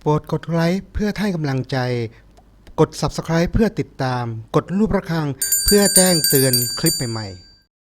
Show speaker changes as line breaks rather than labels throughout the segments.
โปรดกดไลค์เพื่อให้กำลังใจ กด Subscribe เพื่อติดตาม กดรูประฆังเพื่อแจ้งเตือนคลิปใหม่ๆ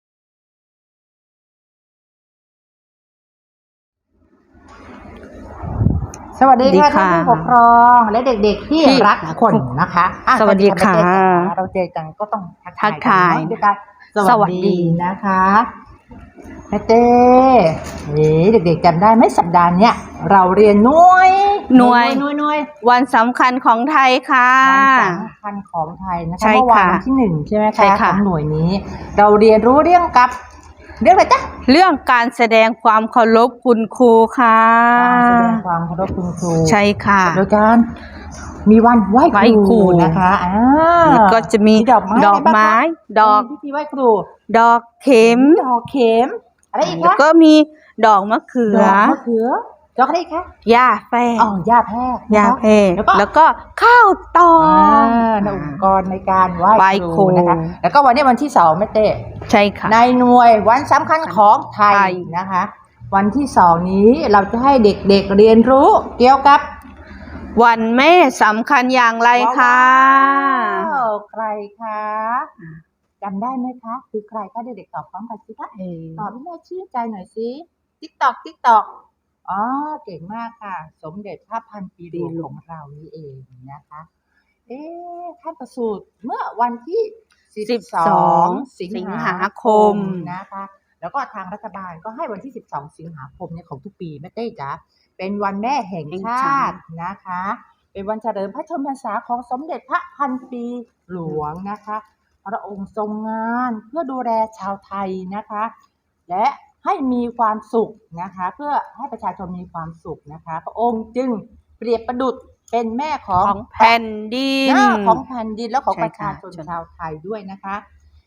สวัสดีค่ะ
สวัสดี
ท่าน
ค่ะ
ผู้ปกครองและเด็กๆที่
ที่
รักคนนะคะอ่ะ
สวัสดีค่ะ
สวัสดีค่ะเราเจอกันก็ต้องทักทายกันเนาะด้วยกันสวัสดีนะคะแม่เต้นี่เด็กๆจำได้ไหมสัปดาห์เนี้ยเราเรียนหน่วย
วันสำคัญของไทยค่ะ
วันสำคัญของไทยนะคะ
ใช่
เมื่อวาน
ค่ะ
วันที่หนึ่งใช่ไหม
ใช่
คะ
ค่ะ
ของหน่วยนี้ เราเรียนรู้เรื่องอะไรจ๊ะ
เรื่องการแสดงความเคารพคุณครูค่ะ
การแสดงความเคารพคุณครู
ใช่ค่ะ
โดยการมีวันไหว้ค
ไหว้ครู
รูนะคะ
ก็จะมี
ดอกไม้
ดอกไม้ ดอก
พิธีไหว้ครู
ดอกเข็ม
ดอกเข็มอะไรอีก
แล้ว
คะ
ก็มีดอกมะเขื
ด
อ
อกมะเขือดอกอะไรอีกคะ
หญ้าแฝก
อ๋อหญ้าแพรกนะคะ
หญ้าแพรก
แล้วก็
แล้วก็ข้าวตอ
ในอุปกรณ์ในการไหว้
ไหว้
ค
ครู
รูนะคะ แล้วก็วันนี้วันที่2แม่เต้
ใช่ค่ะ
ในหน่วยวันสำคัญของไท
ไท
ย
ย
นะคะ วันที่2นี้เราจะให้เด็กๆเรียนรู้เกี่ยวกับ
วันแม่สำคัญอย่างไรคะ
ว้าวใครคะจำได้ไหมคะคือใครคะเด็กๆตอบพร้อมกันสิคะตอบให้แม่ชื่นใจหน่อยสิติ๊กตอกอ๋อเก่งมากค่ะ สมเด็จพระพันปีหลวงของเรานี่เองนะคะท่านประสูติเมื่อวันที่12 สิงหาคมนะคะ แล้วก็ทางรัฐบาลก็ให้วันที่12 สิงหาคมเนี่ยของทุกปีแม่เต้จ๋าเป็นวันแม่แห่งชาตินะคะ เป็นวันเฉลิมพระชนมพรรษาของสมเด็จพระพันปีหลวงนะคะพระองค์ทรงงานเพื่อดูแลชาวไทยนะคะ และให้มีความสุขนะคะ เพื่อให้ประชาชนมีความสุขนะคะ พระองค์จึงเปรียบประดุจเป็นแม่ของ
แผ่นดิน
ของแผ่นดินแล้วของ
ใช่
ประ
ค่ะ
ชาชนชาวไทยด้วยนะคะ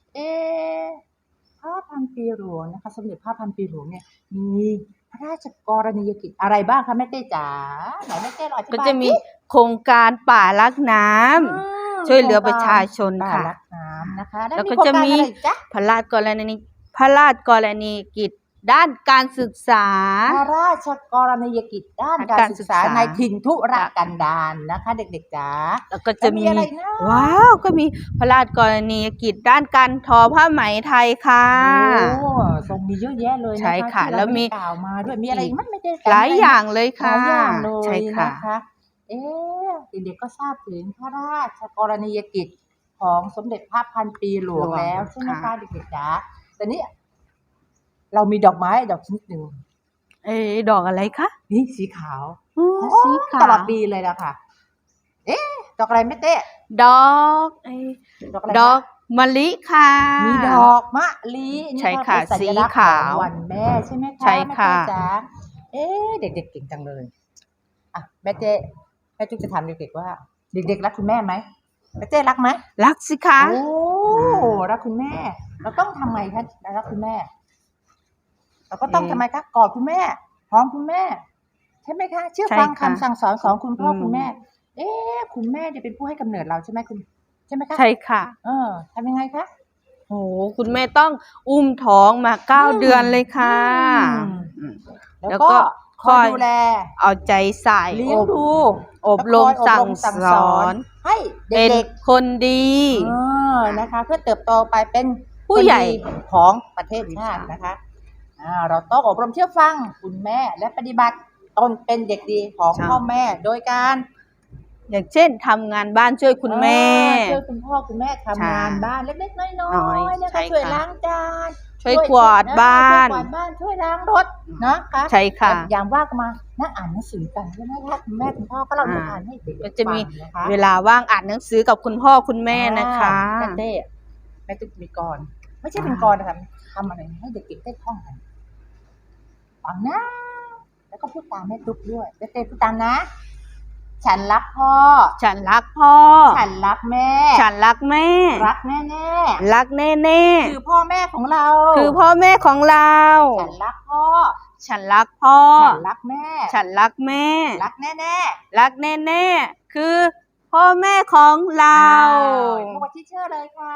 พระพันปีหลวงนะคะ สมเด็จพระพันปีหลวงเนี่ยมีพระราชกรณียกิจอะไรบ้างคะแม่เต้จ๋าไหนแม่เต้ลองอธิบาย
ก็จะมีโครงการป่ารักน้ำช่วยเหลือประชาชนค่ะ
ป่ารักน้ำนะคะ
แล้วก็จะมี
โครงารอะไรอีกจ๊ะ
พระราชกรณียกิจด้านการศึกษา
พระราชกรณียกิจด้านการศึกษา
การศึกษา
ในถิ่นทุรกันดารนะคะ เด็กๆจ๋า
แล้วก็จะมี
แล้วมีอะไรนะ
ว้าวก็มีพระราชกรณียกิจด้านการทอผ้าไหมไทยค่ะ
โอ้ทรงมีเยอะแยะเลยนะคะ
ใช่ค่ะ
ที่เรา
แล้วมี
ไได้กล่าวมาด้วยมีอะไรอีกมั้ยไม่ได้
หลายอย่างเลย
ห
ค่ะ
ลายอย่างเลย
ใช่ค่ะ
นะคะเด็กๆก็ทราบถึงพระราชกรณียกิจของสมเด็จพระพันปีหลวงแล้วใช่ไหมคะเด็กๆจ๋าแต่นี้เรามีดอกไม้ดอกชนิดหนึ่ง
ดอกอะไรคะ
นี่สีขาว
สีขา
ตลอ
ว
ดปีเลยล่ะค่ะ ดอกอะไรไม่เต้
ดอก
ดอกอะไร
ดอกมะลิค่ะ
มีดอกมะลิ
ใช่ค่ะ
เป็นสัญลักษณ์
สีขาว
ของวันแม่ใช่ไหมคะ
ใช่ค่ะ
แม่เต้จ๋าเด็กๆเก่งจังเลยอ่ะแม่จุ๊กจะถามเด็กๆว่าเด็กๆรักคุณแม่ไหมแม่เต้รักไหม
รักสิคะ
โอ้รักคุณแม่ เราต้องทำไงคะรักคุณแม่ เราก็ต้องทำไมคะกอดคุณแม่หอมคุณแม่ ใช่ไหมคะเชื่อฟังคำสั่งสอนของคุณพ่อคุณแม่ คุณแม่จะเป็นผู้ให้กำเนิดเราใช่ไหมใช่ไหมคะ
ใช่ค่ะ
ทำยังไงคะ
โอ้คุณแม่ต้องอุ้มท้องมา9 เดือนเลยค่ะ
แล้วก็คอยดูแล
เอาใจใส่
เลี้ยงดู
อบรม
และคอย
สั่ง
ส
ส
อ
อน น
ให้
เป็น
เด็ก
คนดี
ๆนะคะ เพื่อเติบโตไปเป็น
ผู้ใหญ่
คนดีของประเทศชาตินะคะเราต้องอบรมเชื่อฟังคุณแม่และปฏิบัติตนเป็นเด็กดีของพ่อแม่โดยการ
อย่างเช่นทำงานบ้านช่วยคุณแม่
ช่วยคุณพ่อคุณแม่ทำงานบ้านเล็กๆน้อยๆนะ
ใช่
คะ
ค่ะ
ช่วยล้างจาน
ช่วยกวาดบ้าน
ช่วยล้างรถนะคะ
ใช่ค่ะ
ยามว่างก็มานั่งอ่านหนังสือกันใช่ไหมคะคุณแม่คุณพ่อก็เราจะอ่านให้เด็กๆ
ก็จะมี
ฟังนะคะ
เวลาว่างอ่านหนังสือกับคุณพ่อคุณแม่นะคะ
แม่เต้แม่ตุ๊กมีกรไม่ใช่เป็นกรนะคะทำอะไรให้เด็กๆได้ท่องกันฟังนะ แล้วก็พูดตามแม่ตุ๊กด้วยแม่เต้พูดตามนะ ฉันรักพ่อ
ฉันรักพ่อ
ฉันรักแม่
ฉันรักแม่
รักแน่ๆ
รักแน่
คือพ่อแม่ของเรา
ๆคือพ่อแม่ของเรา
ฉันรักพ่อ
ฉันรักพ่อ
ฉันรักแม่
ฉันรักแม่
รักแน่
รักแน่ๆคือพ่อแม่ของเรา
พบกับที่เชื่อเลยค่ะ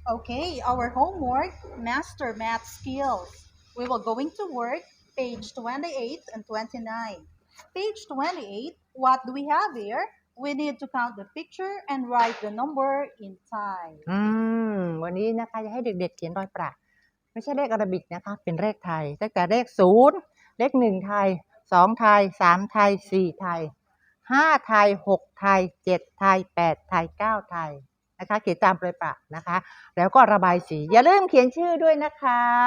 Okay, our homework, master math skills. We will going to work page 28 and 29. Page 28, what do we have here? We need to count the picture and write the number in Thai.
วันนี้นะคะจะให้เด็กๆเขียนรอยประไม่ใช่เลขอาราบิกนะคะเป็นเลขไทยตั้งแต่เลข0เลข1ไทย2ไทย3ไทย4ไทย5ไทย6ไทย7ไทย8ไทย9ไทยนะคะเขียนตามรอยประนะคะแล้วก็ระบายสีอย่าลืมเขียนชื่อด้วยนะคะ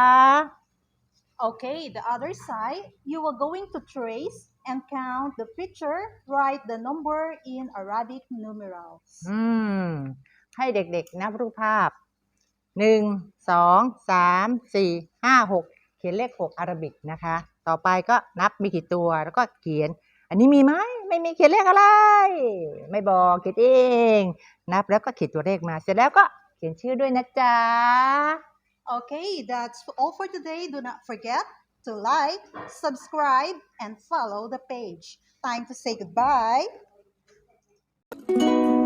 Okay, the other side, you are going to trace and count the picture, write the number in Arabic numerals.
ให้เด็กๆนับรูปภาพ1 2 3 4 5 6เขียนเลข6อาราบิกนะคะต่อไปก็นับมีกี่ตัวแล้วก็เขียนอันนี้มีไหมไม่มีเขียนเลขอะไรไม่บอกเขียนเองนับแล้วก็เขียนตัวเลขมาเสร็จแล้วก็เขียนชื่อด้วยนะจ๊ะ
Okay, that's all for today. Do not forget to like, subscribe, and follow the page. Time to say goodbye.